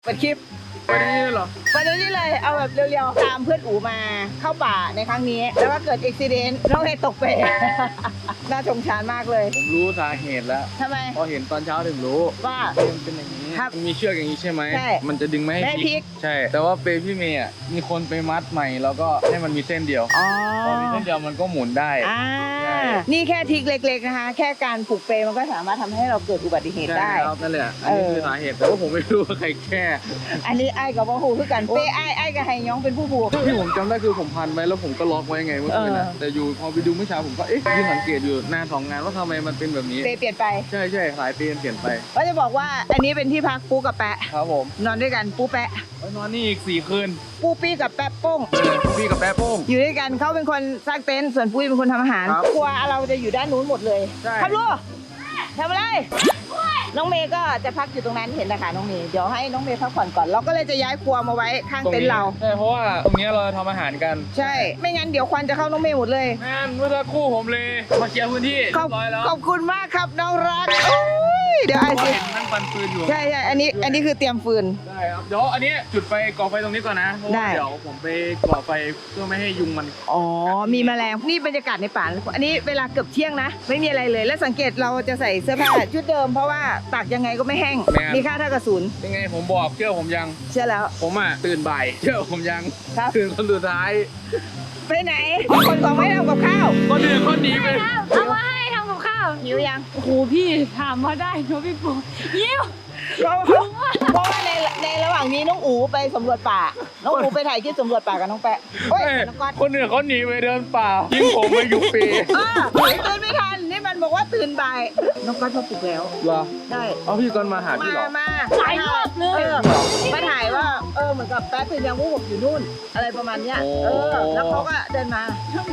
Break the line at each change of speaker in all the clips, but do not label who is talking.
เปิดคลิป
ไปได้เหรอ
ไปเดี๋ยวนี้เลยเอาแบบเร็วๆตามเพื่อนอูมาเข้าป่าในครั้งนี้แล้วก็เกิดอุบิเหตุน้องเฮตกเปรน่าสงสารมากเลย
ผมรู้สาเหตุแล้ว
ทำไม
พอเห็นตอนเช้าถึงรู้
ว่า
มันเป็นอย่างนี้
ครับ
มันมีเชือกอย่างนี้ใช่ไหม
ใช่
มันจะดึงไม่
ไม่ให้
ให้
พลิก
ใช่ แต่ว่าเปรย์พี่เมย์อ่ะมีคนไปมัดใหม่แล้วก็ให้มันมีเส้นเดียว
อ๋อ
พอมีเส้นเดียวมันก็หมุนได้
อ่า
ใช่
นี่แค่ทริกเล็กๆนะคะ แค่การผูกเปรมันก็สามารถทำให้เราเกิดอุบัติเหตุ
ใช่
ได้
ครับนั่นแหละอันนี้คือสาเหตุแต่ว่าผมไม่รู้ว่าใครแก้
อันนี้ไอ้กับว่าหูคือกันเป้ไอ้กับไฮยองเป็นผู้ผูก
ที่ผมจำได้คือผมพันไว้แล้วผมก็ล็อกไว้ไงเมื่อคืนนะแต่อยู่พอไปดูเมื่อเช้าผมก็ยืนสังเกตอยู่นาน2 งานว่าทำไมมันเป็นแบบนี้
เปรเปลี่ยนไป
ใช่ใช่สายเปลี่ยนไป
ก็จะบอกว่าอันนี้เป็นที่พักปูกับแปะ
ครับผม
นอนด้วยกันปูแปะ
ไว้นอนนี่อีก4 คืน
ปูปี้กับแปะโป้ง
พี่กับแป๊ะโป้ง
อยู่ด้วยกันเขาเป็นคนสร้างเต็นท์ส่วนปุ้ยเป็นคนทำอาหาร
ครับ
ครัวเราจะอยู่ด้านนู้นหมดเลย
ใช่
ครับลูกทำอะไรน้องเมย์ก็จะพักอยู่ตรงนั้นเห็นนะคะน้องเมย์เดี๋ยวให้น้องเมย์พักผ่อนก่อนเราก็เลยจะย้ายครัวมาไว้ข้างเต็นท์เรา
ใช่เพราะว่าตรงนี้เราทำอาหารกัน
ใช่ ไม่งั้นเดี๋ยวควันจะเข้าน้องเมย์หมดเลย
แม่นเมื่อสักครู่ผมเลยมาเคลียร์พื้นที่
ขอบ
เรียบร้อยแล้ว
ขอบคุณมากครับน้องรักโอ้ยเดี๋ยวไอ้สิ
เห็นนั่งปันปืนอยู่
ใช่อันนี้คือเตรียมฟืน
ได้ครับเดี๋ยวอันนี้จุดไฟก่อไฟตรงนี้ก่อนนะเพราะ
ได้
ว่าเดี๋ยวผมไปก่อไฟเพื่อไม่ให้ยุงมัน
อ๋อมีแมลงนี่บรรยากาศในป่าอันนี้เวลาเกือบเที่ยงนะ ไม่มีอะไรเลย และสังเกตเราจะใส่เสื้อผ้าชุดเดิมเพราะว่าตากยังไงก็ไม่แห้งมีค่าเท่ากับศูนย์
ยังไงผมบอกเชื่อผมยัง
เชื่อแล้ว
ผมอ่ะตื่นบ่ายเชื่อผมยัง
ครับ
ตื่นคนสุดท้าย
ไปไหนคนของไม่ทำกับข้าว
คนอื่นคนหนีไป
เอามาให้ทำกับข้าว
หิวยัง
โอ้โหพี่ถามมาได้เนอะพี่ปูยิ้ว
เพราะว่าในระหว่างนี้น้องอูไปสำรวจป่า น้องอูไปถ่ายคลิปสำรวจป่ากับน้องแปะเฮ้ย
เอ้ย
น้องก๊อต
คนอื่นเขาหนีไปเดินป่ายิ่งผมไปอยู่ปี
ตื่นไม่ทันนี่มันบอกว่าตื่นบ่ายน้องก๊อตมาปลุกแล้ว
เหรอ
ได้
เอาพี่กอนมาหาพี่เหรอ
มา
หลายรอบเลย
มาถ่ายว่าเหมือนกับแป๊ะตื่นยังว่าผมอยู่นู่น อะไรประมาณเนี้ย
โอ้
แล้วเขาก็เดินมา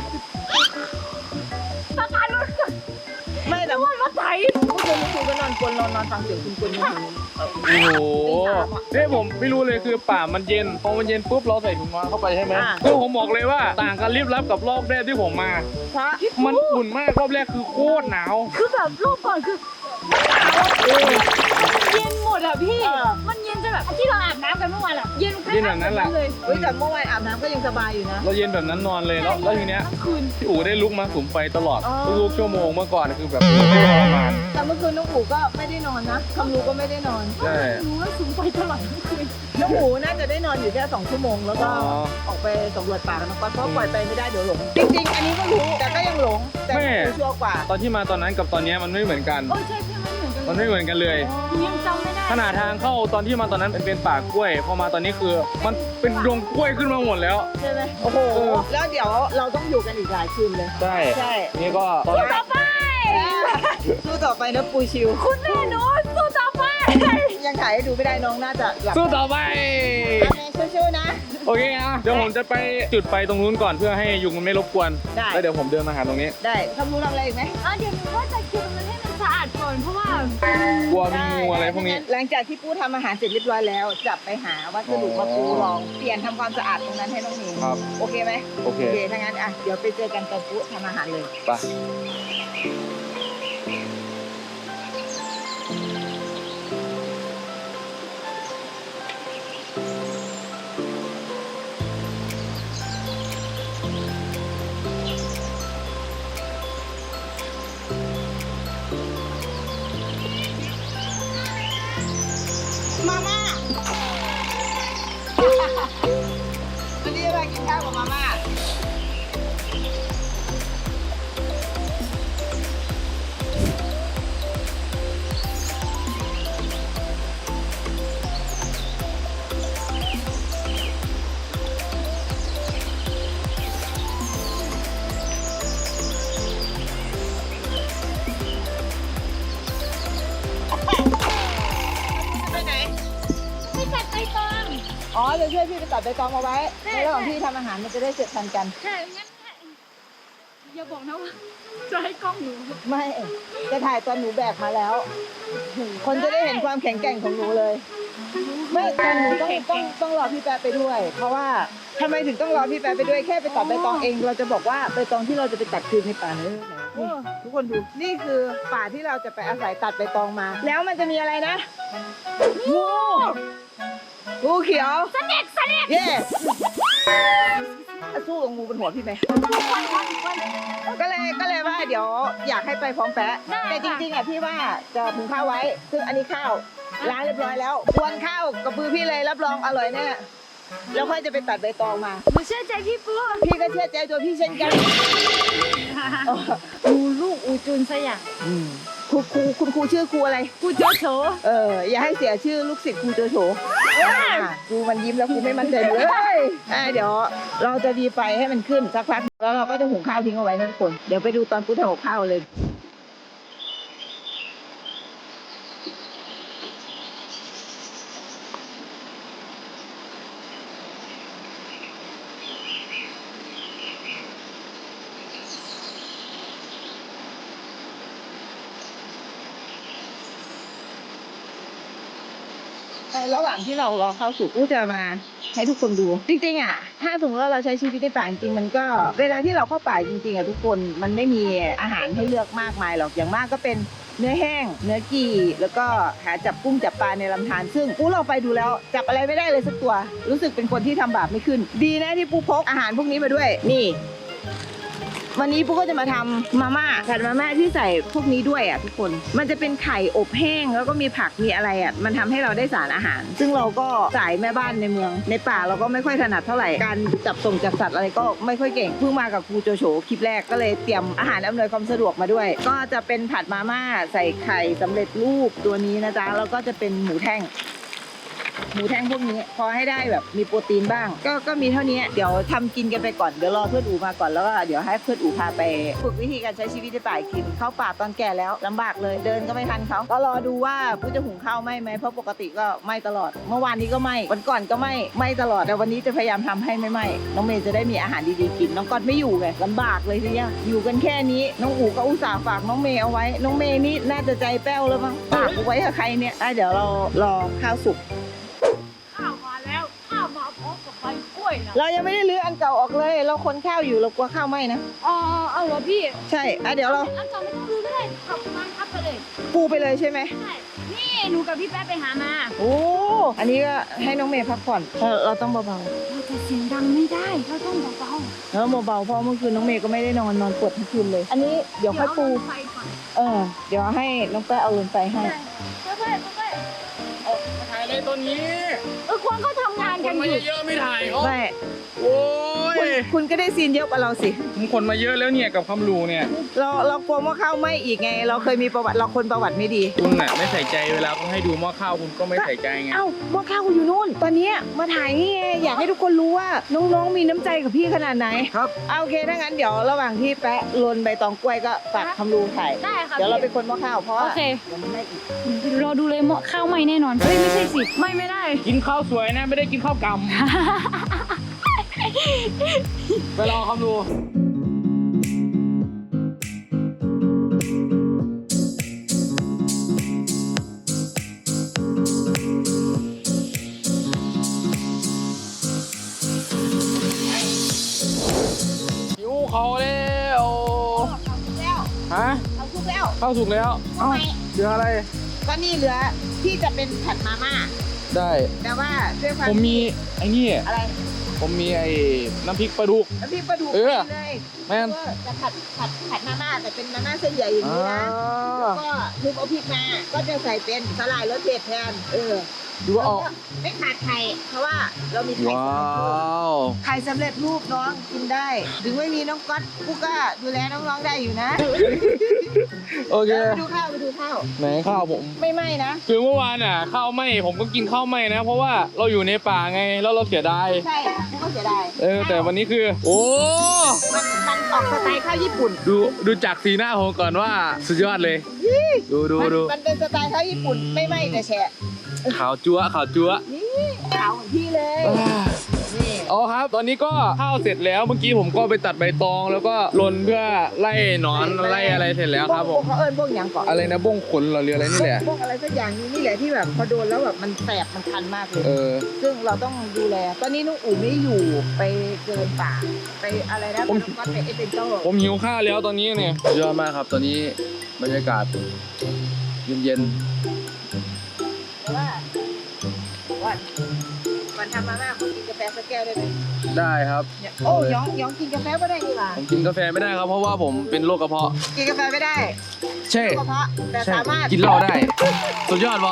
ประกันรถ
ไม่แต่
ว่ามาไถ
เมื่อคืนคุณก็นอนกลนนอนฟังเสียงคุณกลนอยู่
โอ้โหเนี่ยผมไม่รู้เลยคือป่ามันเย็นพอมันเย็นปุ๊บเราใส่ถุงนอนเข้าไปใช่ไหมคือผมบอกเลยว่าต่างกันรีบรับกับรอบแรกที่ผมมา
เพราะ
มันอุ่นมากรอบแรกคือโคตรหนาว
คือแบบรูปก่อนคือมันเย็นหมดอะพี่ มันเย็นจะแบบที่เราอาบน้ำกันเมื่อวานอะเย็นแค่เลย
เฮ้ยแต่เมื่อวานอาบน้ำก็ยังสบายอยู่นะ
เราเย็นแบบนั้นนอนเลยแล้วทีเนี้ย
ทั้งคืน
พี่อู๋ได้ลุกมาสุมไฟตลอด
อ๋อ
ทุกๆชั่วโมงเมื่อก่อนคือแบบไม่ทรมาน
แต่เมื่อคืนน้องอูก็ไม่ได้นอนนะคำรู้ก็ไม่ได้นอน
ใช่
รู้ว่าสูงไปตลอดทั้งคืน
น้องอูน่าจะได้นอนอยู่แค่2 ชั่วโมงแล้วก็
อ๋อ
ออกไปสำรวจป่ากันนะเพราะปล่อยไปไม่ได้เดี๋ยวหลง จริงๆ อันนี้ก็รู้แต่ก็ยังหลงแต่รู้ชัวร์กว่า
ตอนที่มาตอนนั้นกับตอนเนี้ยมันไม่เหมือนกัน
โอ้ใช่พี่มันเหมือนกัน
มันไม่เหมือนกันเลย
ยังจำไม่ได้
ขนาดทางเข้าตอนที่มาตอนนั้นเป็นป่ากล้วย พอมาตอนนี้คือมันเป็นดงกล้วยขึ้นมาหมดแล้ว
ใช่ไหมโอ้โห แล้วเดี๋ยวเราต้องอยู่กันอีกหลายคืนเลย
ใช่
ใช่
นี่ก็ตอน
สู้ต่อไป
สู้ต่อไปนะปูชิว
คุณแม่หนูสู้ต่อไป
ยังถ่ายให้ดูไม่ได้น้องน่าจะหลับ
สู้ต่อไป
สู้ๆนะ
โอเคอ่ะเดี๋ยวผมจะไปจุดไฟตรงนู้นก่อนเพื่อให้ยุงมันไม่รบกวน
ได้
แล้วเดี๋ยวผมเดินมาหาตรงนี้
ได้ทำรู้ทำอะไรอีกไหม
เดี๋ยวหนูว่าจะคิวมันให้มันสะอาดก่อนเพราะว่าก
ลัวมีงูอะไรพวกนี้
หลังจากที่ปูทำอาหารเสร็จเรียบร้อยแล้วจะไปหาวัสดุมาปูลองเปลี่ยนทำความสะอาดตรงนั้นให้น้องเมย์
ครับ
โอเคไหม
โอเค
ถ้างั้นอ่ะเดี๋ยวไปเจอกันตอนปูทำอาหารเลย
ไป
มาม่า วันนี้เรากินข้าวกับมาม่าไปไหน
ไม่จัดไปตอง
อ๋อจะช่วยพี่ไปตัดใบตองมาไว้ในระหว่างที่ทำอาหารมันจะได้เสร็จทันกัน
ใช่งั้นอย่าบอกนะว่าจะให้กล้องหนู
ไม่จะถ่ายตอนหนูแบกมาแล้ว คนจะได้เห็นความแข็งแกร่งของหนูเลย ไม่แต่หนูต้องรอพี่แป๊ะไปด้วย เพราะว่าทำไมถึงต้องรอพี่แป๊ะไปด้วยแค่ไปตัดใบตองเอง เราจะบอกว่าใบตองที่เราจะไปตัดคือในป่าเลยนี่ทุกคนดูนี่คือป่าที่เราจะไปอาศัยตัดใบตองมา แล้วมันจะมีอะไรนะงูงูเขียว
สเน็กสเน็ก
เย่สู้กับงูบนหัวพี่ไหมก็เลยว่าเดี๋ยวอยากให้ไปพร้อมแปะแต่จริงๆอ่ะพี่ว่าจะถุงข้าวไว้ ซึ่งอันนี้ข้าวล้างเรียบร้อยแล้วกวนข้าวกับมือพี่เลยรับรองอร่อยแน่แล้วค่อยจะไปตัดใบตองมา
หนูเชื่อใจพี่ปู
พี่ก็เชื่อใจตัวพี่เช่นกัน
อูลูกอูจุนสยาม
คุณครูชื่อครูอะไร
กูโจโฉ
อย่าให้เสียชื่อลูกศิษย์ครูโจโฉครูมันยิ้มแล้วครูไม่มั่นใจเลยเดี๋ยวเราจะดีไฟให้มันขึ้นสักพักแล้วเราก็จะหุงข้าวทิ้งเอาไว้นะทุกคนเดี๋ยวไปดูตอนปุ๊ทำกับข้าวเลยระหว่างที่เรารอข้าวสุกก็จะมาให้ทุกคนดูจริงๆอ่ะถ้าสมมติว่าเราใช้ชีวิตในป่าจริงๆมันก็เวลาที่เราเข้าป่าจริงๆอ่ะทุกคนมันไม่มีอาหารให้เลือกมากมายหรอกอย่างมากก็เป็นเนื้อแห้งเนื้อกี่แล้วก็หาจับกุ้งจับปลาในลำธารซึ่งปูเราไปดูแล้วจับอะไรไม่ได้เลยสักตัวรู้สึกเป็นคนที่ทำบาปไม่ขึ้นดีนะที่ปูพกอาหารพวกนี้มาด้วยนี่วันนี้ปุ๊กก็จะมาทำมาม่าผัดมาม่าที่ใส่พวกนี้ด้วยอ่ะทุกคนมันจะเป็นไข่อบแห้งแล้วก็มีผักมีอะไรอ่ะมันทำให้เราได้สารอาหาร ซึ่งเราก็สายแม่บ้านในเมืองในป่าเราก็ไม่ค่อยถนัดเท่าไหร่การจับส่งจับสัตว์อะไรก็ไม่ค่อยเก่งเพิ่งมากับครูโจโฉคลิปแรกก็เลยเตรียมอาหารอำนวยความสะดวกมาด้วยก็จะเป็นผัดมาม่าใส่ไข่สำเร็จรูปตัวนี้นะจ๊ะแล้วก็จะเป็นหมูแท่งพวกนี้พอให้ได้แบบมีโปรตีนบ้างก็มีเท่านี้เดี๋ยวทำกินกันไปก่อนเดี๋ยวรอเพื่อนอูมาก่อนแล้วก็เดี๋ยวให้เพื่อนอูพาไปฝึกวิธีการใช้ชีวิตในป่ากินเข้าป่าตอนแก่แล้วลำบากเลยเดินก็ไม่ทันเขาก็รอดูว่าผู้จะหุงข้าวไหมเพราะปกติก็ไหม้ตลอดเมื่อวานนี้ก็ไหม้วันก่อนก็ไหม้ตลอดแต่วันนี้จะพยายามทำให้ไม่ไหม้น้องเมย์จะได้มีอาหารดีๆกินน้องก๊อตไม่อยู่ไงลำบากเลยทีเนี้ยอยู่กันแค่นี้น้องอูก็อุตส่าห์ฝากน้องเมย์เอาไว้น้องเมย์นี่น่าจะใจแป้วแล้วมั้งฝากเอาไว้กับใครเนี่ยเดี๋ยวเรารอข้าวสุก
ข้าวมาแล้วข้าวมาพร้อมกับใบกล้วยนะ
เรายังไม่ได้รื้ออันเก่าออกเลยเราคนข้าวอยู่เรากลัวข้าวไหม้นะ
เอาเหรอพี่
ใช่เดี๋ยวเรา
อันเก่าไม่ต้องรื้อก็ได้ขับมาทับไปเลย
ปูไปเลยใช่ไหม
ใช่นี่หนูกับพี่แป๊ะไปหามา
โอ้อันนี้ก็ให้น้องเมย์พักผ่อนเราต้องเบา
เราจะเสียงดังไม่ได้เราต้องเบา
ๆแล้วเบาๆเพราะเมื่อคืนน้องเมย์ก็ไม่ได้นอนปวดทั้งคืนเลย อันนี้เดี๋ยวค่อยปู
เดี๋ยวเอาไฟก่อน
เดี๋ยวให้น้องแป้เอาลงไปให้
ค่อยๆ
มาถ่ายอะไรตัวนี้
คนเขาทำงาน
ค
กัน
นมา
อยู่
เยอะๆไม่ถ่ายเขา
ไม่
โอ้ย
คุณก็ได้ซีนเยอะกว่าเราสิ
ผมคนมาเยอะแล้วเนี่ยกับคำรูเนี่ย
เรากลัวว่าข้าวไหม้อีกไง เราเคยมีประวัติเราคนประวัติไม่ดี
คุณน่ะไม่ใส่ใจเวลาเขาให้ดูหม้อข้าวคุณก็ไม่ใส่ใจไง
เอ้าหม้อข้าวอยู่นู่น ตอนนี้มาถ่ายนี่ไงอยากให้ทุกคนรู้ว่าน้องๆมีน้ำใจกับพี่ขนาดไหน
ครับ
โอเคถ้างั้นเดี๋ยวระหว่างที่แปะลนใบตองกล้วยก็ฝากคำรูถ่าย
ได้ค่ะ
เดี๋ยวเราเป็นคนหม้อข้าวเพราะว่า
โอเค
เดี๋ยวมันไม่อีก
รอดูเลยเหมาะข้าวไหม้แน่นอนเฮ้ยไม่ใช่สิไม่ได้
กินข้าวสวยนะไม่ได้กินข้าวกำไปรอคำรูหิวเขาแล้ว
แล้ว
ฮะ
เอาทุกแล้ว
ข้าวสุกแล้ว
ทำไม
เหลืออะไร
ก็นี่เหลือที่จะเป็นผัดมาม่า
ได้
แต่ว่าด้วยความ
ผมมีไอ้นี่
อะไร
ผมมีไอ้น้ำพริกปลาดุก
แล้วพี่ปลาดุก
เออ
เลย
แม่น
จะผัดมาม่าแต่เป็นมาม่าเส้นใหญ่อย่างนี้นะแล้วก็ทุบเอาพริกมาก็จะใส่เป็นสลายรสเผ็ดแทน
ดูว่าออก
ไม่ขาดไข่เพราะว่าเรามีไข่
ว้าว
ไข่สำเร็จรูปน้องกินได้ ถึงไม่มีน้องก๊อตกูก็ดูแลน้องๆได้อยู่นะ
โอเค
ไปดูข้าว
ไหนข้าวผม
ไม่ไหม้นะ
คือเมื่อวานอ่ะข้าวไหม้ผมก็กินข้าวไหม้นะ เพราะว่าเราอยู่ในป่าไงแล้วเราเสียดาย
ใช่กูก็เสียดาย
แต่วันนี้คือ โอ้
มันออกสไตล์ข้าวญี่ปุ่น
ดูจากสีหน้าผมก่อนว่าสุดยอดเลย ดู
มันเป็นสไตล์ข้าวญี่ปุ่นไม่ไหม้แต่แฉะ
ขาวจั๊วขาวจั๊ว
นี่ขาวเหมือนพี่เลยนี่
อ๋อครับ ตอนนี้ก็ข้าวเสร็จแล้วเมื่อกี้ผมก็ไปตัดใบตอง แล้วก็ลนเพื่อไล่หนอนไล่อะไรเสร็จแล้วครับผม
เขาเอิ้นพวกหยังก่อน
อะไรนะบ้งขนเหรอหรืออะไรนี่แหละ
พวกอะไรสักอย่างนี่แหละที่แบบพอโดนแล้วแบบมันแสบมันคันมากเลย ซึ่งเราต้องดูแล ตอนนี้น้องอู๋ไม่อยู่ไปเดินป่าไปอะไรนะน้องก๊อตไปเอเวนเจอร์
ผมหิวข้าวแล้วตอนนี้เนี่ยยอดมากครับตอนนี้บรรยากาศเย็น
แต่ว่าก่อนทำมาม่าคุณกินกาแฟสักแก้วได้ไหม
ได้ครับ
เนี่ยโอ้ย้องกินกาแฟไม่ได้ดีกว่า
ผมกินกาแฟไม่ได้ครับเพราะว่าผมเป็นโรคกระเพาะ
กินกาแฟไม่ได้
ใช่
กระเพาะแต่
ใช่
สามารถ
กินเหล้าได้ สุดยอดบอ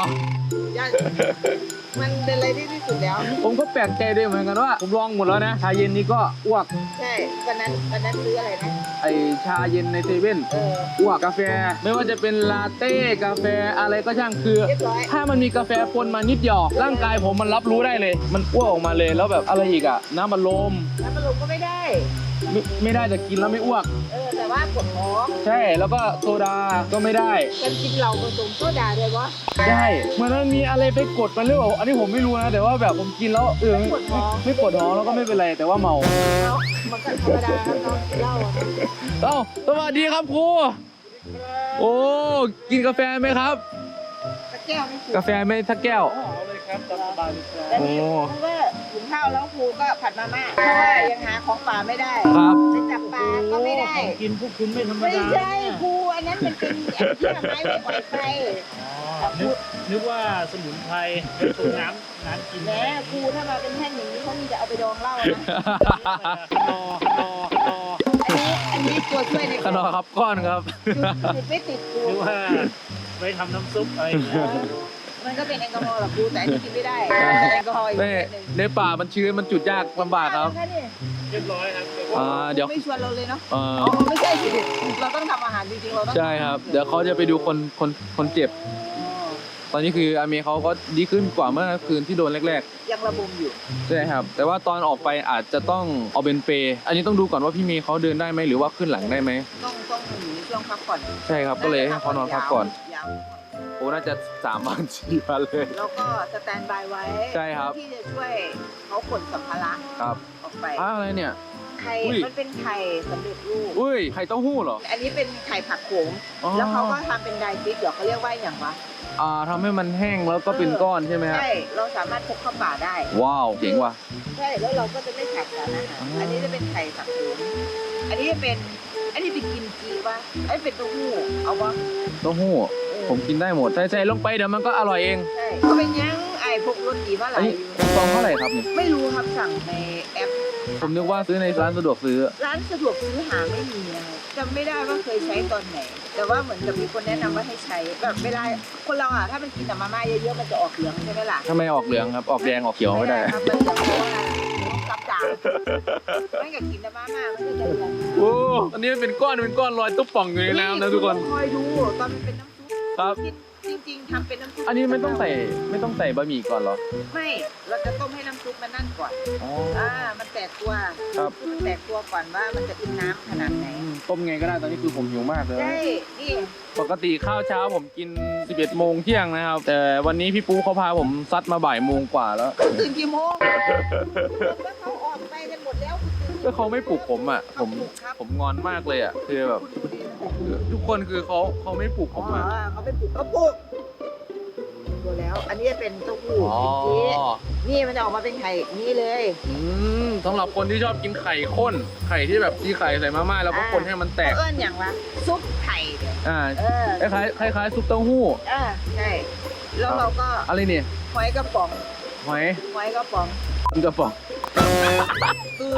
มันเป็นอะไรที่ที่สุดแล้ว
ผมก็แปลกใจด้วยเหมือนกันว่า ผมลองหมดแล้วนะ ชาเย็นนี่ก็อ้วก
ใช่วันนั้นซื้ออะไรนะ
ไอชาเย็นในเซเว่น อ้วกกาแฟ ไม่ว่าจะเป็นลาเต้กาแฟอะไรก็ช่างคือ
เรียบร้อย
ถ้ามันมีกาแฟปนมานิดเดียวร่างกายผมมันรับรู้ได้เลย มันอ้วกออกมาเลยแล้วแบบอะไรอีกอะน้ำมันลม
น้ำมันลมก็ไม่ได้
ไม่ได้จะกินแล้วไม่อ้วก
แต่ว่าปวดท้อง
ใช่แล้วก็โซดาก็ไม่ได้
กันกินเหล้าผสมโซดาเลยวะ
ใช่เหมือนมันมีอะไรไปกดมันหรือเปล่าอันนี้ผมไม่รู้นะแต่ว่าแบบผมกินแล้วไม่ปวดท้องแล้วก็ไม่เป็นไรแต่ว่าเมา
แล้วมันก็ธรรมดาครับน้องเหล้าอะ
เอ้าสวัสดีครับครูโอ้กินกาแฟไหมครับ
ตะแก้วไม่ถูก
กาแฟไม่ทักแก้ว
เอาเลยครับตามสบายเลยครับ
แล้วนี่เพราะว่าหุงข้าวแล้วครูก็ผัดมาม่าเพราะว่ายังหาของป่าไม่ได้
ครับ
ไปจับปลาก็ไม่ได้
ของกินพวกคุณไม่ธรรม
ไม่
ดา
ใช่ครูอันนั้นมันเป็นไอ้ที่ไม้ไว้ปล่อยไฟ
นึกว่าสมุนไพรเป็นต้มน้ำกิน
แหมครูถ้ามาเป็นแท่งอย่างนี้เขามีจะเอาไปดองเหล้านะ
รอ
อันนี้ตัวช่วยใน
ขนอครับก้อนครับ
ติดไม่ติดครู
นึกว่าไว้ทำน้ำซุปอะไรอย่างเงี้ย
มันก็เป็นแอลกอฮอล์หรอกครูแต่อันนี้กินไม่ได้แต่แอลกอฮอล์อีก
ใน
นิดนึง
ในป่ามันชื้นมันจุดยากลำบากครับ
เรียบร้อยครับ
เดี๋ยว
ไม่ชวนเราเลยเนาะ
อ๋อ
ไม่ใช่สิเราต้องทำอาหารจริงๆเราต้อง
ใช่ครับ เดี๋ยวเขาจะไปดูคนเจ็บ ตอนนี้คืออาเมย์เขาก็ดีขึ้นกว่าเมื่อคืนที่โดนแรก
ยังระบมอยู่
ๆใช่ครับ แต่ว่าตอนออกไปอาจจะต้องเอาเป็นเปย์อันนี้ต้องดูก่อนว่าพี่เมย์เขาเดินได้ไหมหรือว่าขึ้นหลังได้ไหม
ต้องอยู่ในช่วงพักผ่อน
ใช่ครับก็เลยให้เขานอนพักก่อน
ยาว
โอ้น่าจะ3 วัน4 วันเลย
แล้วก็สแตนบายไว้
ใช่ครับ
ที่จะช่วยเขาขนสัมภาระ
ครับ
ออกไป
อะไรเนี่ย
ไข่
อุ้ย
มันเป็นไข่สำเร็จรูป
อุ้ยไข่เต้าหู้เหรอ
อันนี้เป็นไข่ผักโขม
อ๋อ
แล้วเขาก็ทำเป็นไดฟิกเดี๋ยวเขาเรียกว่าอย่างวะ
ทำให้มันแห้งแล้วก็เป็นก้อนใช่ไหมครับ
ใช่เราสามารถพกเข้าป่าได้
ว้าวเจ๋งว่ะ
ใช่แล้วเราก็จะไม่ขาดสารอาหารอันนี้จะเป็นไข่ผักโขมอันนี้เป็นกิมจิวะอันนี้เป็นเต้าหู้เอาวะ
เต้าหู้ผมกินได้หมดใส่ลงไปเดี๋ยวมันก็อร่อยเอง
ใช่ก็เป็นยังไอ้พวกรสดีว่าอะไร
อันนี้ซองเท่าไหร่ครับเนี่ย
ไม่รู้ครับสั่งในแอป
ผมนึกว่าซื้อในร้านสะดวกซื้อ
ร้านสะดวกซื้อหาไม่มีนะครับจำไม่ได้ว่าเคยใช้ตอนไหน แต่ว่าเหมือนกับมีคนแนะนำว่าให้ใช้แบบเวลาคนเราอ่ะถ้ามันกินแต่มาม่าเยอะๆมันจะออกเหลืองใช่ไหมล่ะ
ทำไมออกเหลืองครับ ออกแดงออกเขียวไม่ได้
ครับมันเหลืองเพราะว่าต้องรับจานไม่กับกินแต่มาม่ามันก็จะเหลือง
โอ้อันนี้เป็นก้อนลอยตุ๊บป่องอยู่ในน้ำนะทุกคน
คอยดูตอนมันเป็นน้ำซุป
ครับ
กินจริงๆทำเป็นน้ำซุป
อันนี้ไม่ต้องใส่บะหมี่ก่อนเหรอ
ไม่เราจะต้มให้น้ำซุปมันนั่นก่อน
อ๋อ
มันแตกตัว
ครับ
มันแตกตัวก่อนว่ามันจะอิ่มน้ำขนาดไหน
ต้มไงก็ได้ตอนนี้คือผมหิวมากเลย
ใช่นี่
ปกติข้าวเช้าผมกิน 11 โมงเที่ยงนะครับ แต่วันนี้พี่ปูเขาพาผมซัดมาบ่ายโมงกว่าแล้ว
ตื่นกี่โมงแล้วเขาออกไปกันหมดแล้วคุณตื่น
ก็เขาไม่ปลุกผมอ่ะ
เขาปลุกครับ
ผมงอนมากเลยอ่ะ คือแบบ ทุกคนคือเขาไม่ปลุกผมอ่ะ
เขาไปปลุกเขาปลุกดูแล้ว อันนี้จะเป็นเต้าหู้
อ๋อ
นี่มันจะออกมาเป็นไข่นี่เลย
สำหรับคนที่ชอบกินไข่ข้น ไข่ที่แบบที่ไข่ใส่มาม่าแล้วก็คนให้มันแตก
เอิ้นอย่างวะซุปไข่เนี่ย
คล้ายซุปเต้าหู้
ใช่แล้วเราก็
อะไรเนี่ย
หอยกระป๋อง
หอย
หอยกระป๋อง
มันกระป๋อง
คือ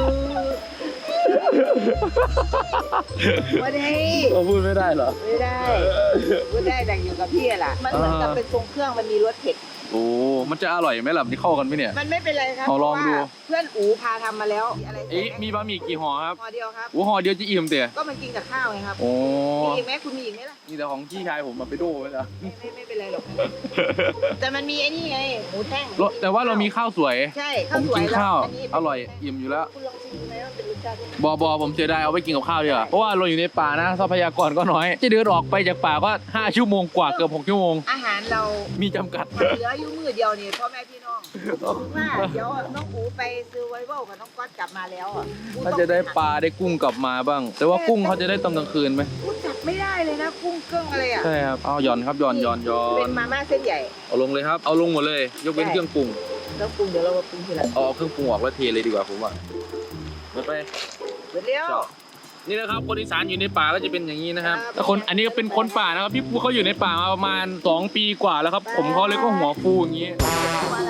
ไม่ได้
เราพูดไม่ได้เหรอ
ไม่ได้พูดได้แต่อยู่กับพี่อะล่ะ มันเหมือนกับเป็นทรงเครื่องมันมีรสเผ็ด
โอ้ มันจะอร่อยไหมล่ะนี่เข้ากันไหมเนี่ย
มันไม่เป็นไรครับ
เอาลองดู
เพราะว่าเพื่อนอูพาทำมาแล้วอะไร
เอ๊ะมีบะหมี่กี่ห่อครับ
ห่อเดียวครับ
โอ้ห่อเดียวจะอิ่มเตี๋ย
ก็มันกินกับข้าวไงครับ
โอ้
มีอีกไหมคุณมีอีกไหมล่ะ
นี่แต่ของพี่ชายผมมาไปโดไว้แล้ว
ไม่เป็นไรหรอก แต่มันมีไอ้นี่ไงหมูแท่ง
แต่ว่าเรามีข้าวสวย
ใช่
ผม
สวย
กินข้าว
แล้
อร่อยอิ่มอยู่แล้ว
คุณลองชิมดูไหมว่าเป็นรสชาติยังไง
บอผมเสียดายเอาไปกินกับข้าวดีกว่าเพราะว่าเราอยู่ในป่านะทรัพยากรก็น้อย จะเดินออกไปจากป่าก็5 ชั่วโมงกว่าเกือบ6 ชั่วโมง
อาหารเรา
มีจำกัด
เหลืออยู่มือเดียวนี่พ่อแม่พี่น้องว่าเดี๋ยวน้องอูไปซื้อไวเบิลกับน้องก๊อตกลับมาแล้วอ่ะ
ถ้าจะได้ปลาได้กุ้งกลับมาบ้าง แต่ว่ากุ้งเขาจะได้ตอนกลางคืนไหม
กูจับไม่ได้เลยนะกุ้งเกิ้งอะไรอ่ะ
ใช่ครับเอาหย่อนครับหย่อน
เป็นมาม่าเส้นใหญ่
เอาลงเลยครับเอาลงหมดเลย ยกเว้นเครื่องปรุง
แล้วปรุงเดี๋ยวเรามาปรุงทีหลัง
เอาเครื่องปรุงออกแล้วเทเลยดีกว่าผมว่าหมดไป
เดี๋ยวเร็ว
นี่นะครับคนอีสานอยู่ในป่าก็จะเป็นอย่างนี้นะครับ
ครับ
แต่คนอันนี้ก็เป็นคนป่านะครับพี่ปูเขาอยู่ในป่ามาประมาณ2 ปีกว่าแล้วครับ ผมเขาเลยก็หัวฟูอย่างนี้
ตัวละ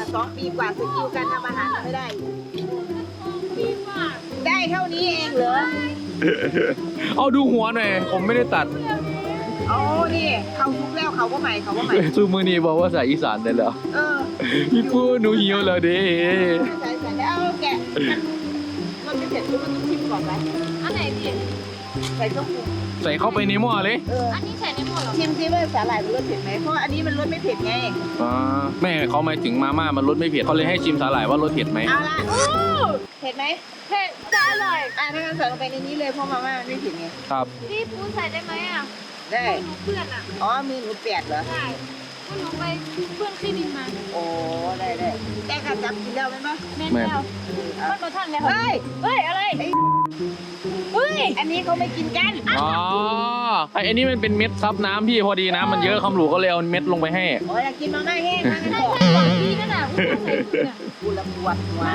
2 ปีกว่าสกิลการทำอาหารไม่ได้
พี่มาก
ได้เท่านี้เองเหรอ
เอาดูหัวหน่อยผมไม่ได้ตัด
โอ้นี่เขาทุกแล้วเขาก็ใหม่เขาก็ใหม่
ซูมือนี่บอกว่าใส่อีสานได้แล้ว
เออ
พี่ปูหนูหิวแล้วเด้
ใส่แล้วแกะมันไม่เผ็ดมันต้องชิมก่อนไหม
อันไหนพี่
ใส่เครื่องปรุง
ใส่เข้าไปในหม้อเลย
อันนี้ใส่ในหม้อเหรอ
ชิมซิว่าสาหร่ายมันรสเผ็ดไหมเพราะอันนี้มันรสไม่เผ็ดไง
แม่เขาหมายถึงมาม่ามันรสไม่เผ็ดเขาเลยให้ชิมสาหร่ายว่ารสเผ็ดไหม
เอาละเผ็ดไหม
เผ็ดจะอร่อย
ถ้างั้นใส่ลงไปในนี้เลยเพราะมาม่ามันไม่เผ็ดไง
ครับ
พี่ปูใส่ได้ไหมอ่ะ
ได้
หนูเพื่อนอ่ะ
อ๋อมือหนูเปียกเหรอ
ใช่ก็หนูไปเพื่อนคลินิกมา
โอ้ได้แต่กระจับกินแล้วไหมปะ
แม่นแล้วมันมาทันแล้ว
เฮ้ย
เฮ้ยอะไรเฮ้ย
อันนี้เขาไม่กินกัน
อ๋อไอ้นี่มันเป็นเม็ดซับน้ำพี่พอดีน้ำมันเยอะคำหลูก็เลยเอาเม็ดลงไปให้
โอ้ยอยากกินมาม่าแห้งนะ
ใช่ใช่หวานดีนั่นน่ะอุ้ยใส่ถุงอ่ะ
กูละปวดหัว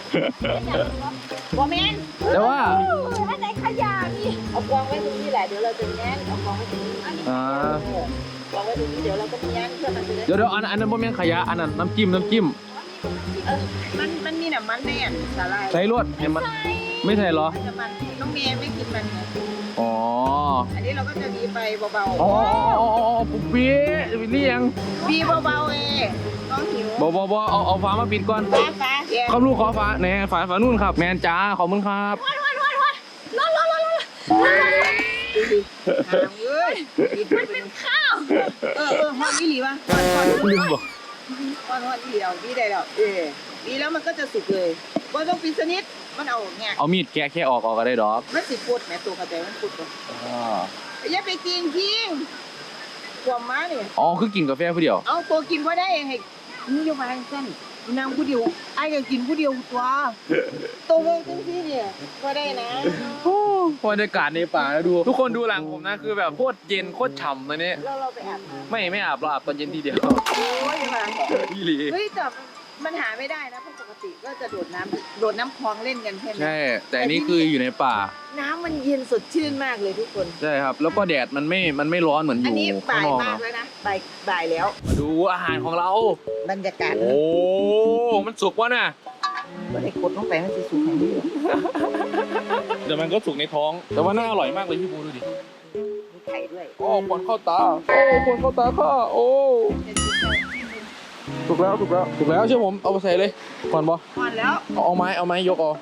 บอแมน
แต่ว่า
อันไหนขยะพี่
เอากองไว้ตรงนี้แหละเดี๋ยวเราจะแง้นเอากองไว้ตรงนี้
อ่า
กองไว้ตรงนี้เดี๋ยวเราก็แง้นเพื่อมันจะได้
เดี๋ยวอันนั้นบ่แม่นขยะอันนั้นน้ำจิ้ม
มันมีน้ำมันแน่สาหร่าย
ใส่รวดเห็นมันไม่ใส่เหรอ
มันจะมันน้องเมย์ไม่กินมันไง
อ๋อ
อันนี้เราก็จะบีไปเบา
อ๋อปุ๊บปี้จะไปเรียง
ๆบีเบาๆเองน้องหิว
บเอาฝามาปิดก่อน
ฟ้าเดี๋ยว
คำลูกขอฝาแน่ฝานู่นครับ แมนจ้าขอบคุณครับ
ร้อน
หางเอ้ย
มันเป็นข้าว
ฮอนนี่หลีวะฮอน
ลืมบอก
นี่หลีเอาบีได้แล้วบีแล้วมันก็จะสุกเลยว่าต้องปิดสนิทมันเอาแงก
เอามีดแกะแค่ออกก็ได้ดอก
มันสิปวดแม่ตัวกระแตมันปวดอย่าไปกินทิ้งความมาเนี่ย
อ๋อคือกินกาแฟผู้เดียว
เอาตัวกินก็ได้ให้นี่โยบายสั้นนางผู้เดียวไอ้ก็กินผู้เดียวตัวเจังที่เนี่ยก็ได้นะ
บรรยากาศในป่าแล้วดู ทุกคนดูหลังผมนะคือแบบโคตรเย็นโคตรฉ่ำเลยเนี่ย
เราไปอาบ
ไม่อาบเราอาบตอนเย็นทีเดียว
โอ้ยมา
พี่หลี
เฮ้ยแต่มันหาไม่ได้นะเพราะปกติก็จะโดดน้ำคลองเล่นกันใช่ไหม
ใช่ แต่อันนี้คืออยู่ในป่า
น้ำมันเย็นสดชื่นมากเลยทุกคน
ใช่ครับ แล้วก็แดดมันไม่ร้อนเหมือนอ
อัน
ยู่
นี้
ข้าง
บ่าย
นอก
มาก
เนาะ
แล้วนะบ่ายแล้ว
มาดูอาหารของเรา
บรรยากาศ
โอ้มันสุกวะน่ะ
ก็ได้กดลงไปมันจะสุกแค่นี้
เดี๋ยวมันก็สุกในท้อง แต่ว่าน่าอร่อยมากเลยพี่ปูดูดิ
มีไข่ด้วย
โอ้ปนเข้าตาโอ้ปนเข้าตาข้าโอ้ถูกแล้วเชื่อผมเอาไปใส่เลยก่อนบอ
ก่อนแล้ว
เอาไม้ยกเอา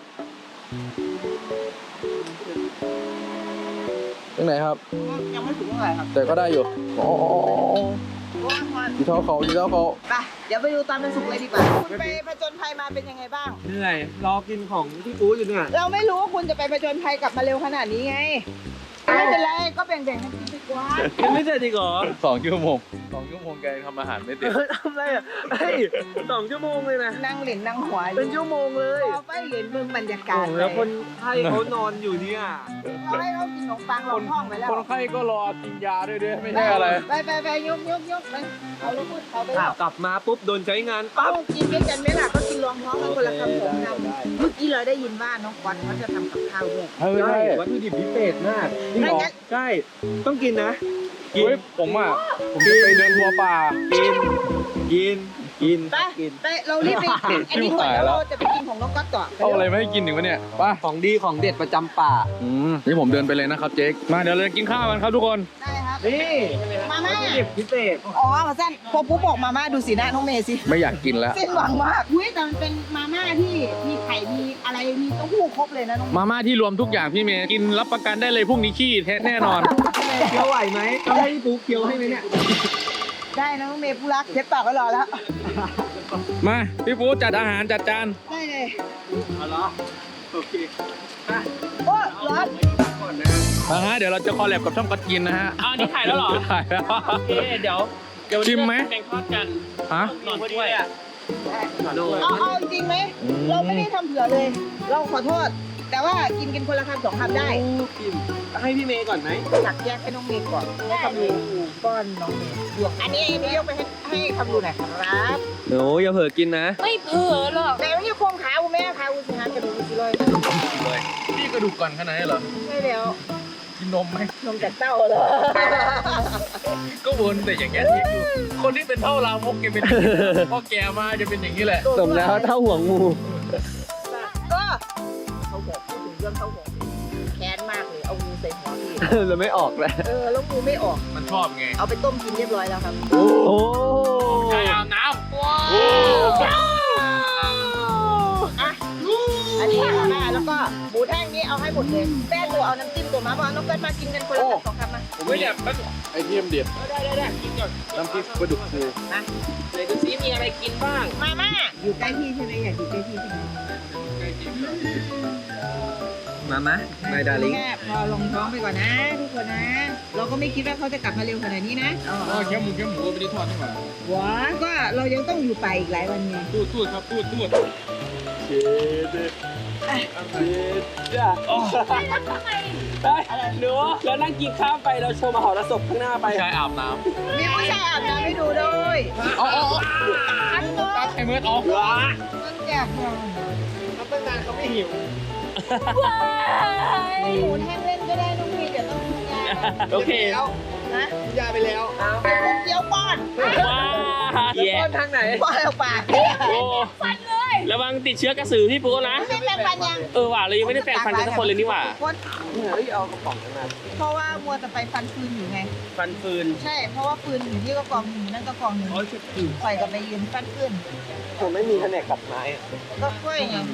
ตรงไหนครับ
ยังไม่ถึงเท่าไหร่ครับ
แต่ก็ได้อยู่อ๋อ
ก่อน
ดีเท่าเขา
ไปเดี๋ยวไปดูตอนมันสุกเลยดีกว่าคุณไปผจญภัยมาเป็นยังไงบ้าง
เหนื่อยรอกินของพี่ปูอยู่เนี่ย
เราไม่รู้ว่าคุณจะไปผจญภัยกลับมาเร็วขนาดนี้ไง ไม่เป็นไรก็แบ่งๆกันกินดีกว่า
ยังไม่เสร็จอีกเหรอ
2 ชั่วโมงแกทำอาหารไม่เสร็จ
ทำอะไรอ่ะเฮ้ย2 ชั่วโมงเลยนะ
นั่งเหรียญนั่งหัว
เป็นชั่วโมงเลย
เราไปเหรียญเมืองบรรยากาศ
แล้วคนไข้เขานอนอยู่เนี่ย
เราให้เขากินขนมปังลองท้องไปแล้ว
คนไข้ก็รอกินยาด้วยไม่ใช่อะไร
ไปยกไปเอาลูกพูดเอาไปแล้ว
กลับมาปุ๊บโดนใช้งาน
ปั๊
ปั๊
บบ กินด้วยกันไหมล่ะก็กินรองท้องกันคนละคำสองคำเมื่อกี้เราได้ยินว่าน้องควันเขาจะทำกับข้าวด้วย
ใช่
วัตถุดิบพิเศษมาก
จริงเหรอ
ใช่ ต้องกินนะ กิน
เฮ้ยผมจะไปเดินทัวร์ป่า
กิน
ไปเรารีบไปอันนี้ก่อนแล้วเราจะไปกินของน้องก๊อตต่อ
เอาอะไรไม่ให้กินถึงวะเนี่ยไป่ะ
ของดีของเด็ดประจำป่า
นี่ผมเดินไปเลยนะครับเจ๊กมาเดี๋ยวเราจะกินข้าวกันครับทุกคน
ได้ครับ
นี่
มาม่า
วัตถุดิบพิเศษ
อ๋อมาสั้นพอปุ๊บบอกมาม่าดูสีหน้าน้องเมย์สิ
ไม่อยากกินแล้ว
สิ้นหวังมากอุ้ยแต่มันเป็นมาม่าที่มีไข่มีอะไรมีเต้าหู้ครบเลยนะน้อง
มาม่าที่รวมทุกอย่างพี่เมย์กินรับประกันได้เลยพรุ่งนี้ขี้แน่นอน
เคี้ยวไหวไหมต้องให้พี่ปูเคี้ยวให้ไหมเนี่ย
ได้นะน้องเมย์ผู้รักเชฟปากก็รอแล้ว
มาพี่ปูจัดอาหารจัดจาน
ได้เลย
เอาเหรอโอเค
โอ้ร้อน
ก่อนนะ
นะฮะเดี๋ยวเราจะคอลแลบกับช่องกัดกินนะฮะ
อ้าวนี่ถ่ายแล้วเหรอ
ถ่ายแล้ว
โอเคเดี๋ยว
ชิมไหม
แกงทอดกัน
ฮะ
หนอนด้วย
เอาจริงไหมเราไม่ได้ทำเผื่อเลย เราขอโทษ แต่ว่ากินคนละคำสองคำได้
กินให้พี่เมย์ก่อนไหม
ตักแยกให้น้องเมย์ก่อนให้คำรูป้อนน้องเมย์บวกอันนี้ยกไปให้คำรูหน่อยครับ
โอ้อย่าเผลอกินนะ
ไม่เผลอหรอก
แต่ไม่ใช่โครงขาอูแม่ขาอูสิฮะกระดูกสิเลย
พี่กระดูกก่อนขนาดนี้เหรอ
ใช่แล้ว
กินนมไหม
นมจากเต้าเหรอ
ก็วนแต่อย่างเงี้ยคนที่เป็นเท่าลามกแกเป็นอย่างนี้พอแกมาจะเป็นอย่างนี้แหละ
สมแล้วเท่าห่วงงู
ก็เขาบอกพูดถึงเรื่องเขาบอกแค้นมากเลยเอางูใส่หัวพี่
เราไม่ออกเลย
แล้วงูไม่ออก
มันชอบไง
เอาไปต้มกินเรียบร้อยแล้วครับ
โอ้
ใช่อาบน้ำ
ว้าวอ่ะอันนี้มาม่าแล้วก็หมูแท่งนี้เอาให้หมดเลยแป้งตัวเอาน้ำจิ้มตัวมาเพราะน้องเกิดมากินกันคนละสองคำมา
ผมไม่อยากมันไอเทียมเด็ด
ได้กินก่อน
น้ำพริกปลาดุกฟู
นะ
ไหนดูซิมีอะไรกินบ้าง
มาม่าอยู่ใกล้พี่ใช่ไหมอยากอยู่ใกล้พี่ใช่ไหม
มาไม่ดาลิง
แค่พอลงท้องไปก่อนนะทุกคนนะ เราก็ไม่คิดว่าเขาจะกลับมาเร็วขนาดนี้นะ
แค่หมูก็ไม่ได้ทอดนี่หว่า
ว้าก็เรายังต้องอยู่ไปอีกหลายวันไง
ตูดครับตูด
เช็ดจ้าหนูแล้วนั่งกินข้าวไปเราโชว์มหรสพข้างหน้าไป
ชายอาบน้
มีผู้ชายอาบน้ำให้ดูด้วย
ำอ๋อตัดไอ้เมื่อออก
มันแจกเรา
เขาตั้งนานเขาไม่หิว
หมูแท่งเล่นก็ได้น้องมีเดี๋ยวต้องกินยา
โอเค
นะ
ยาไปแล้ว
เดี๋ยวป้อน
ว้า
แล้ว
แย่
ป้อนทางไหน
ป้อนเอาปาก
โอ้ระวังติดเชื้อกระสือพี่ปูนะ
ไม่แปรงฟันยัง
ว่ะเรายังไม่ได้แปรงฟันกันทุกคนเลยนี่หว่า
เฮ้ยเอากระป๋องกันมา
เพราะว่ามัวแต่ไปฟันฟืนอยู่ไง
ฟันฟืน
ใช่ เพราะว่าฟืนอยู่ที่ก็กองหนึ่งนั่นก็กองหนึ่งปล่อยกับไปยืนฟันฟืน
ผมไม่มีแผนกตัดไม้
ก็ค่อยไง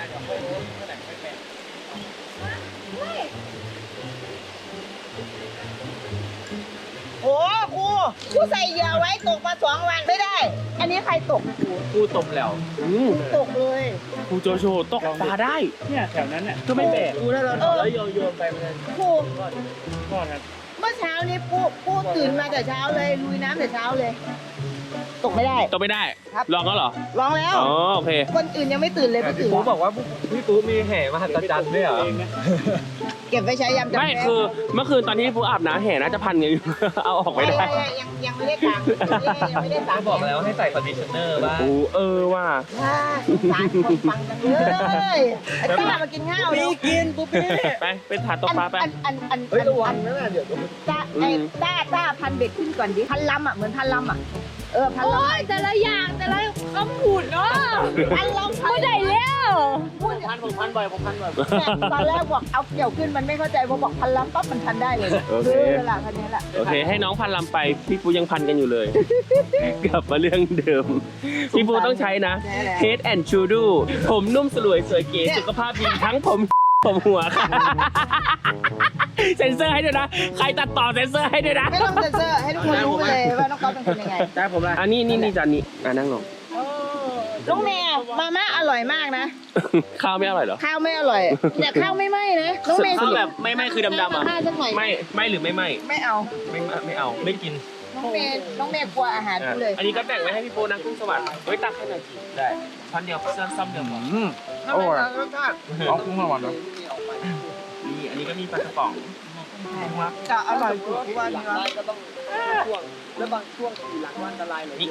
โอ้ครูใส่เหยื่อไว้ตกมา2 วันไม่ได้ อันนี้ใครตกครู
กูตบแล้ว
ตกเลย
กูโจโฉตกปลาได้
เนี่ยแถวนั้นเนี่ย
ก็ไม่แบก
ดูแล้วเราแล้วโยนไปมัน
ครู
ก็ครับ
เมื่อเช้านี้ปูตื่นมาแต่เช้าเลยลุยน้ำแต่เช้าเลย ตกไม่ได้
ตกไม่ได้
ครับ
ลองแล้วเหรอ
ร้องแล้ว
อ๋อโอเค
คนอื่นยังไม่ตื่นเลยไม่ตื่น
ปูบอกว่าพี่ปูมีแห่มหัศจรรย์ด้วยเหรอ
เก็บไว้ใช้ยามจำ
ไม่
เป็น
คือเมื่อคืนตอนที่พี่ปูอาบน้ำแห่น่าจะพันกันอยู่ เอาออกไม่ได้
ยังไม่ได้ตามยังไม่ได้ตาม
บอกแล้วให้ใส่คอนดิชเนอร์บ้างว่า
สารคนฟังจังเลยไอ้ต้ามากินข้าวเร็ว
กินปุ๊บนี่
ไปเป็นถาดตกปลาไป
เฮ้ยระวังนะเดี๋ยว
ต้าพันเบ็ดขึ้นก่อนดิพันลำอ่ะเหมือนพันลำอ่ะพัน
โอ้
ลำ
ยแต่ละอย่างแต่ละคำพูดเนาะ
พันลำ
ไม่ได้แล้ว
ผมพันบ่อย
ตอนแรกบอกเอาเกี่ยวขึ้นมันไม่เข้าใจพอบอกพันลำปั๊บมันพันได้เลยละคันนี้แหละ
โอเคให้น้องพันลำไปพี่ปูยังพันกันอยู่เลย กลับมาเรื่องเดิม พี่ปูต้องใช้นะ Head and Shoulder ผมนุ่มสลวยสวยเก๋สุขภาพดีทั้งผมหัวค่ะ เซ็นเซอร์ให้ด้วยนะ ใครตัดต่อเซ็นเซอร์ให้ด้วยนะ
ไม่ต้องเซ็นเซอร์ให้ทุกคนรู้ไปเลยว่าน้องก๊อฟเป็นคนยังไง
ได้ผมละ
อันนี้จานนี้นั่งลง
น้องแม่มาม่าอร่อยมากนะ
ข้าวไม่อร่อยเหรอ
ข้าวไม่อร่อยแต่ข้าวไม่ไหม้นะน้องแม่
ข้าวแบบไม่คือดำๆอ่ะ
ข้าวสักหน่อย
ไม่หรือไม่
ไม่เอา
ไม่เอาไม่กิน
น้องเมย์กลัวอาหารกูเลย
อันนี้ก็แบ่งไว้ให้พี่ปูนะกุ้งสวัสดิ์เฮ้ยตักให้หน่อยสิได้ช้อนเดียวซ้ำเดียวหมด
โอ้ยรสชาติ
เอากุ้งมาหวานเนาะ
นี่อันนี้ก็มีปลากระป๋อง
จะอร่อยกว่าวันนี้
แล้วบางช่วงขี่หลังวันอันตรายเลย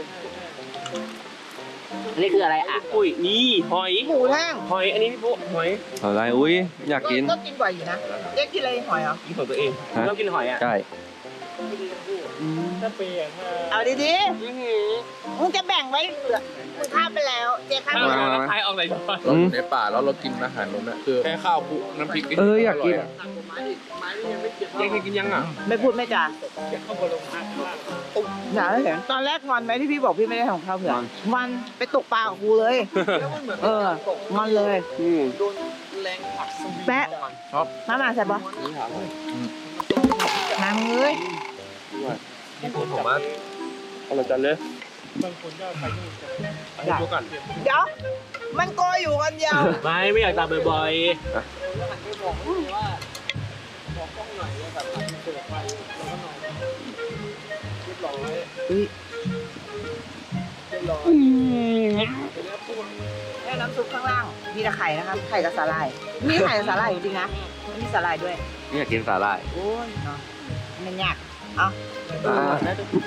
อันนี้คืออะไรอ่ะอุ้ยนี่หอย
หมูแท่ง
อันนี้พี่ปูหอย
อะไรอุ้ยอยากกิน
ก็กินบ่อยอยู่นะเจ๊กินอะไรหอยเหรอ
กินของตัวเอง
ฮะ
เรากินหอยอ่ะ
ใช่
ถ้าเปย์ถ้า
เอาดีๆมึงจะแบ่งไว้เหลือมึงข้ามไปแล้วเจ๊ข้าม
ข้าว
ไปแล้ว
แล้วใครออกไหนช้อน
เราอยู่ในป่าแล้วเรากินอาหารนู้นน่ะคือแค่ข้าวคลุกน้ำพริก
อยากกิน
ยังเคยกินยังอ่ะ
ไม่พูดไม่จา
เข้าบนลงพัก
หนาเห็นตอนแรกงอนไหมที่พี่บอกพี่ไม่ได้ทำข้าวเผื่อมันไปตกปลากับกูเลยงอนเลย
แรงผักสวี
แปะมาใส่ปะมามึงเลย
พี่ปูผมว่าเอาละจันเลย
บางคนก็ไปนู่น
ให้ดูก่อน
เดี๋ยวมันโกยอยู่คนเดียว
ไม่อยากตามบ่อย
แค่น้ำซุปข้างล่างมีแต่ไข่นะครับไข่กับสาหร่ายมีไข่กับสาหร่ายจริงๆนะมีสาหร่ายด้วย
นี่อยากกินสาหร่าย
โอ้ยเนาะมันยากเอา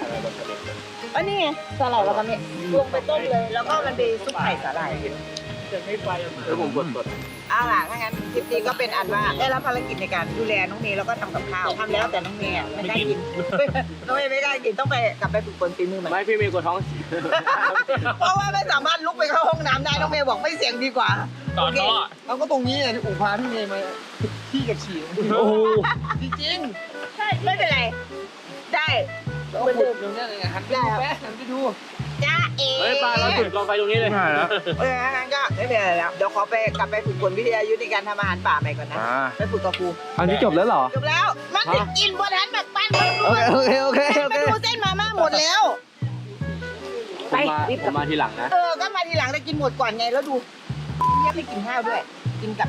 อันนี้ไงสาหร่ายแล้วก็เนี่ยลงไปต้มเลย แล้วก็มันไปซุปไข่สาหร่าย
จะไม่ไปอ่ะ
แล้วผมกด
เอาล่ะถ้างั้นคลิปนี้ก็เป็นอันว่าได้รับภารกิจในการดูแลน้องเมย์แล้วก็ทำกับข้าวทำแล้วแต่น้องเมย์อะไม่กล้ากิน น้องเมย์ไม่กล้ากินต้องไปกลับไปฝึกฝนฝีมือใหม่
ไม่พี่เมย์กดท้อง
เพราะว่าไม่สามารถลุกไปเข้าห้องน้ำได้น้องเมย์บอกไม่เสียงดีกว่า
ต่อท่อ
เราก็ตรงนี้เลยที่อู่พาพี่เมย์มาที่กับฉี่
โอ้โห
จริงๆใช่ไม่เป็นไรได้เหมือนเดิม
เดี๋ยวนี้เลยหันไป
ได้
ดู
ครับ
แป๊ะหันไปดู
จ้าเอ๋
เฮ้ยปลาเราจุดกองไฟตรงนี้เลย
ไม่แล้ว
งั้นก็ไม่เป็นไรแล้วเดี๋ยวขอไปกลับไปฝึกฝนวิทยายุทธในการทำอาหารป่าใหม่ก่อนนะไปฝึกกับครู
อันนี้จบแล้วเหรอ
จบแล้วมันจะกินบนทันแบบปั้น
โอเคโอเค
มาดูเส้นมาม่าหมดแล้ว ไปรีบ
ผ
กลับ
มมาทีหลังนะ
ก็มาทีหลังแต่กินหมดก่อนไงแล้วดูเนี่ยไม่กินข้าวด้วย กินกับ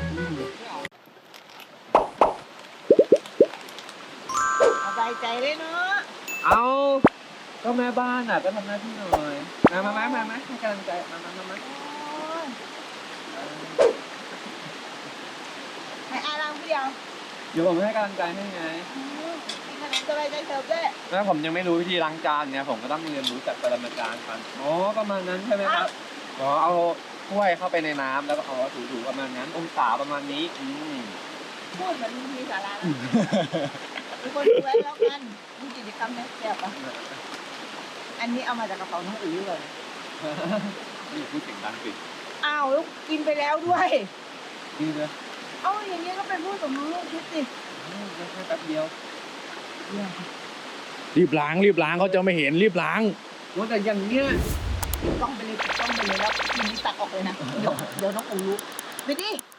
สบายใจเลยเนาะ
เอาก็แม่บ้านอ่ะก็ทำหน้าที่หน่อยมาให้กำลังใจมา
ให้อารามผู้เดียว
เดี๋ยวผมให้กำลังใจให้ไง
กินขนมสบายใจเสิร์ฟด้วย
แล้วผมยังไม่รู้วิธีล้างจานเนี่ยผมก็ต้องเรียนรู้จากปรมาจารย์กันอ๋อประมาณนั้นใช่ไหมครับอ๋อเอาถ้วยเข้าไปในน้ำแล้วก็เอาถูๆประมาณนั้นองศาประมาณนี้
พูดเหมือนมีสาระนะทุกคนดูไว้แล้วกันมีกิจกรรมเนี่ยแซ่บปะอันนี้เอามาจากกระเป๋าน้องอุ๋ยเลย
นี่พูดเสียงดังสิ
อ้าวแล้วกินไปแล้วด้วย
ดีเลย
เอ้าอย่างนี้ก็เป็นผู้สมรู้ร่วมคิดสิ
แค่แป๊บเดียว
รีบล้างเขาจะไม่เห็นรีบล้าง
ว่าแต่อย่างเนี้ย
ต้องไปเลยแล้วทีนี้ตัดออกเลยนะ เดี๋ยวน้องอูรู้ไปดิ